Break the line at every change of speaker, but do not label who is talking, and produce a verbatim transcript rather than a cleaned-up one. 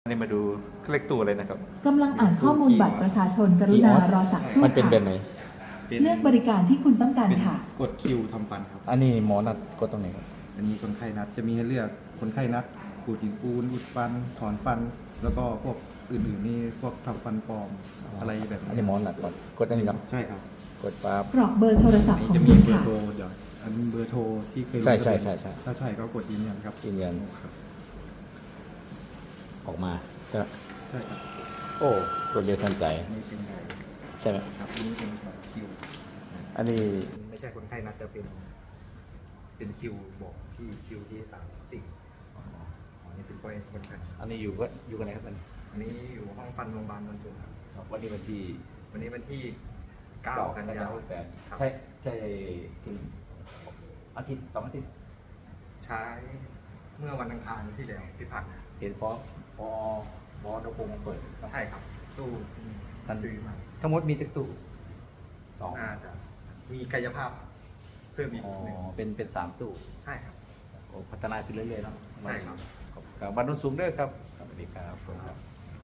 นี่มาดูเลขตัวเลยนะครับ
กำลังอ่านข้อมูลบัตรประชาชนกรุณารอสักครู่
มันเป็นแบบ
ค่ะ
ไหน
เลือกบริการที่คุณต้องการค่ะ
กดคิวทำฟันครับ
อันนี้หมอนัดกดตรงไหนครับ
อันนี้คนไข้นัดจะมีให้เลือกคนไข้นัดขูดหินปูนอุดฟัน ถอนฟัน แล้วก็พวกอื่นๆนี่พวกทำฟันปลอมอะไรแบบ
อันนี้หมอนัดก่อนกดอันนี้ครับ
ใช่ครับ
กดปั๊บ
กรอกเบอร์โทรศัพ
อัน
ท์
นี้
ของ
จะมี
คุณ
เบอ
ค่ะ
ร์โทรเดี๋ยวอันนี้เบอร์โทรที่เคยลง
ใช่ใช่ใช่ใช่
ถ้าใช่ก็กดยืนยันครับ
ยืนยัน
ครับ
ออกมาใช่ไหม
ใช่ครับ
โอ้รวดเร็วทันใจ
อันนี้เป็นไง
ใช่ไหม
ครับอันนี้เป็นแบบคิว
อันนี้
ไม่ใช่คนไข้นัดจะเป็น เป็นคิวบอกที่คิวที่สามสิ่งอันนี้เป็นคนคนไข้
อันนี้อยู่ก็อยู่กันไหนครับอันนี้
อันนี้อยู่ห้องฟันโรงพยาบาลบรรจุครับ
วันนี้วันที่
วันนี้วันที่เก้ากันยายน
แปด
ครับ
ใช่ใช่ถึงอาทิตย์สองอาทิตย์
ใช้เมื่อวันอังคารที่แล้วที่ผ่านมา
เห็นพอพอบอสโคงเปิด
ใช่ครับ ตู้ที่ซื้อมา
ทั้งหมดมีตึกตู้สอง
น่าจะมีกายภาพเพิ่มอีก
อ๋อ
หนึ่ง
เป็นเป็นสามตู้
ใช่ครับ
โอ้พัฒนาขึ้นเรื่อยๆเนาะ
ใช่ครับ
ขอบคุณครับบัตรนุ่นสูงด้วยครับสวัสดีครับ